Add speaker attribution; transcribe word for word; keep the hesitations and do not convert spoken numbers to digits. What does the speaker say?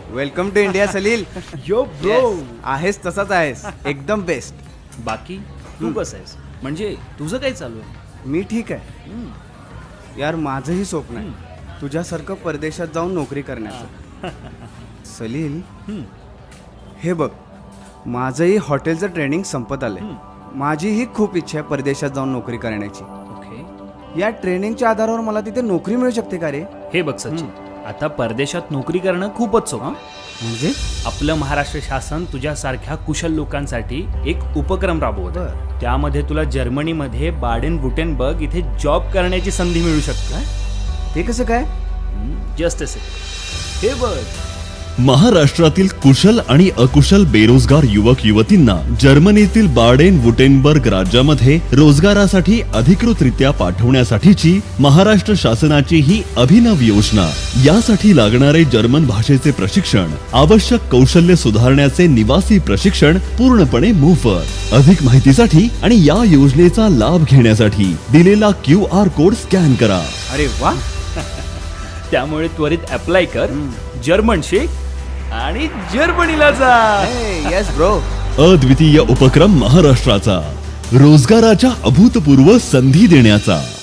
Speaker 1: Welcome to India Salil.
Speaker 2: Yo bro.
Speaker 1: Yes, आहेस तसाच आहेस, एकदम बेस्ट.
Speaker 2: बाकी तू कसं आहेस? म्हणजे तुझं काय चालू आहे?
Speaker 1: मी ठीक आहे. यार माझंही स्वप्न आहे तुझ्यासारखं परदेशात जाऊन नोकरी करण्याचं. सलील, हे बघ, माझंही हॉटेलचं ट्रेनिंग संपत आलंय. माझीही खूप इच्छा आहे परदेशात जाऊन नोकरी करण्याची.
Speaker 2: ओके.
Speaker 1: या ट्रेनिंगच्या आधारावर मला तिथे नोकरी मिळू शकते का रे?
Speaker 2: हे बघ सचिन, आता परदेशात नोकरी करणं खूपच सोपं.
Speaker 1: म्हणजे
Speaker 2: आपलं महाराष्ट्र शासन तुझ्यासारख्या कुशल लोकांसाठी एक उपक्रम राबवतं. त्यामध्ये तुला जर्मनीमध्ये बाडेन वुटेनबर्ग इथे जॉब करण्याची संधी मिळू शकते.
Speaker 1: ते कसं काय?
Speaker 2: जस्ट असे हे बघ,
Speaker 3: महाराष्ट्रातील कुशल आणि अकुशल बेरोजगार युवक युवतींना जर्मनीतील बाडेन वुटेनबर्ग राज्यामध्ये रोजगारासाठी अधिकृतरित्या पाठवण्यासाठीची महाराष्ट्र शासनाची ही अभिनव योजना. यासाठी लागणारे जर्मन भाषेचे प्रशिक्षण, आवश्यक कौशल्य सुधारण्याचे निवासी प्रशिक्षण पूर्णपणे मोफत. अधिक माहितीसाठी आणि या योजनेचा लाभ घेण्यासाठी दिलेला क्यू आर कोड स्कॅन करा.
Speaker 1: अरे वा.
Speaker 2: त्यामुळे त्वरित अप्लाय कर, जर्मन शिक आणि जर्मनीला जा.
Speaker 1: Yes bro.
Speaker 3: अद्वितीय उपक्रम महाराष्ट्राचा रोजगाराच्या अभूतपूर्व संधी देण्याचा.